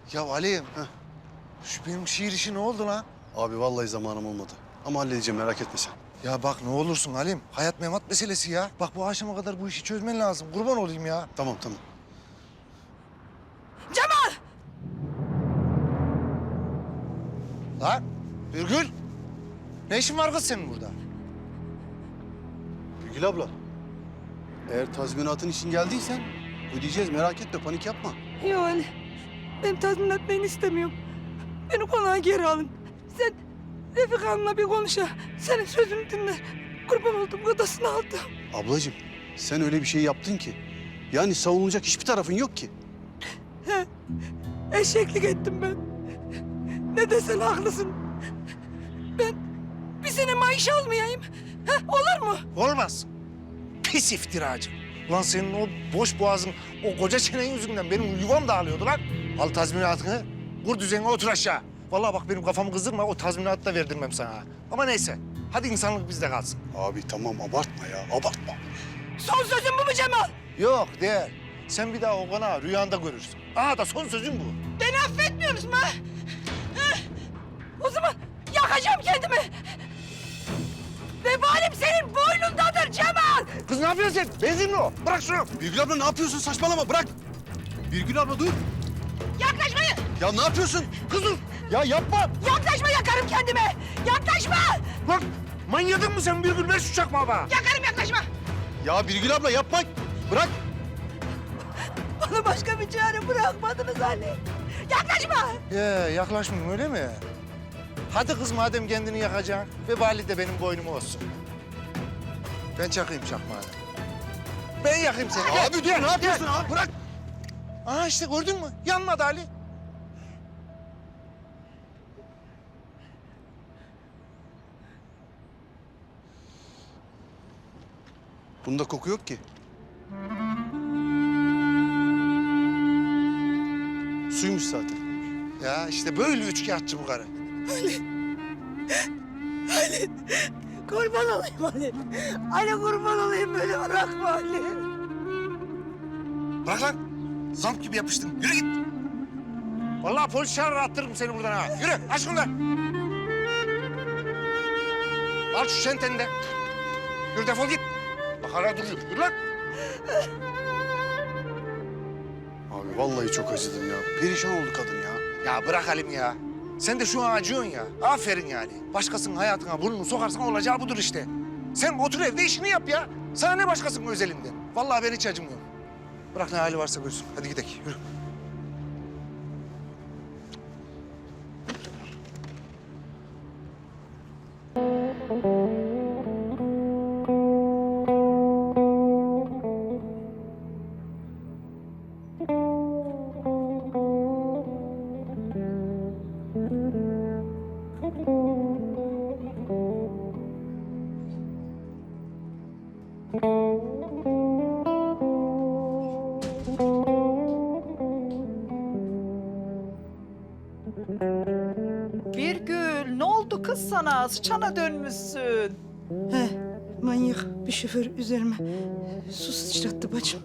Ya Ali, şu benim şiir işi ne oldu lan? Abi vallahi zamanım olmadı. Ama halledeceğim, merak etme sen. Ya bak ne olursun Halim. Hayat memat meselesi ya. Bak bu akşama kadar bu işi çözmen lazım. Kurban olayım ya. Tamam tamam. Cemal! Lan Birgül. Ne işin var kız senin burada? Gül abla. Eğer tazminatın için geldiysen ödeyeceğiz, merak etme, panik yapma. Yok Ali. Ben tazminat beni istemiyorum. Beni konağa geri alın. Sen Refika Hanım'la bir konuş ha. Senin sözünü dinle. Kurban oldum, odasını aldım. Ablacığım sen öyle bir şey yaptın ki. Yani savunulacak hiçbir tarafın yok ki. Eşeklik ettim ben. Ne desen haklısın. Ben bir sene maaş almayayım. Ha, olur mu? Olmaz. Pis iftiracı. Ulan senin o boş boğazın, o koca çenen yüzünden benim yuvam dağılıyordu lan. Al tazminatını, kur düzenine otur aşağı. Vallahi bak benim kafamı kızdırma, o tazminatı da verdirmem sana. Ama neyse, hadi insanlık bizde kalsın. Abi tamam abartma ya, abartma. Son sözün bu mu Cemal? Yok değil. Sen bir daha o konağı rüyanda görürsün. Aha da son sözüm bu. Beni affetmiyor musun ha? Ha? O zaman yakacağım kendimi. Vebalim senin boynundadır Cemal. Kız ne yapıyorsun sen? Benzin mi o? Bırak şunu. Birgül abla ne yapıyorsun? Saçmalama, bırak. Birgül abla dur. Yaklaşmayın. Ya ne yapıyorsun? Kız dur. Ya yapma. Yaklaşma, yakarım kendimi. Yaklaşma. Lan manyadın mı sen Birgül? Ver şu çakmağı bana. Yakarım, yaklaşma. Ya Birgül abla yapma. Bırak. Bana başka bir çare bırakmadınız Ali. Yaklaşma. Yaklaşmayayım öyle mi? Hadi kız madem kendini yakacaksın. Vebali de benim boynuma olsun. Ben çakayım çakmağı. Ben yakayım seni. Gel, Abi dur, gel, ne yapıyorsun gel. abi? Bırak. Aha işte gördün mü? Yanmadı Ali. Bunda koku yok ki. Suymuş zaten. Ya işte böyle üçkağıtçı bu karı. Ali. Kurban olayım Ali. Ali kurban olayım, böyle bırakma Ali. Bırak lan. Zamp gibi yapıştın. Yürü git. Vallahi polis çağırır attırırım seni buradan ha. Yürü aç şunu da. Al şu çenteni de. Yürü defol git. Bak hala duruyor. Yürü lan. Abi vallahi çok acıdım ya. Perişan oldu kadın ya. Ya bırak Halim ya. Sen de şu an acıyorsun ya. Aferin yani. Başkasının hayatına burnunu sokarsan olacağı budur işte. Sen otur evde işini yap ya. Sana ne başkasının özelinden. Vallahi ben hiç acımıyorum. Bırak ne hali varsa görsün. Hadi gidelim. Yürü. Birgül, ne oldu kız sana? Sıçana dönmüşsün. He, manyak bir şoför üzerime su sıçrattı bacım.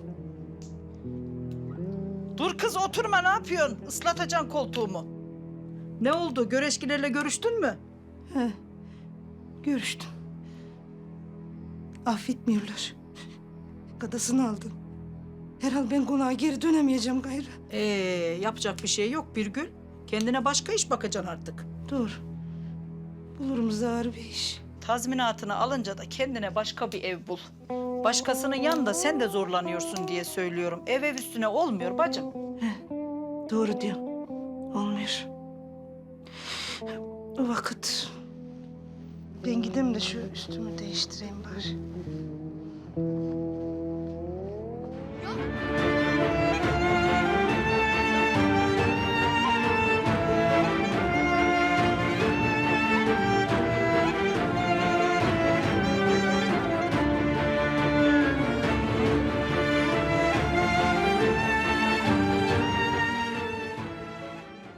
Dur kız oturma, ne yapıyorsun? Islatacaksın koltuğumu. Ne oldu? Göreşkilerle görüştün mü? He, görüştüm. Affetmiyorlar. Kadasını aldın. Herhal ben konağa geri dönemeyeceğim gayrı. Yapacak bir şey yok Birgül. Kendine başka iş bakacaksın artık. Dur. Bulurum zar bir iş. Tazminatını alınca da kendine başka bir ev bul. Başkasının yanında sen de zorlanıyorsun diye söylüyorum. Ev üstüne olmuyor bacım. Doğru diyorsun. Olmuyor. O vakit ben gideyim de şu üstümü değiştireyim bari.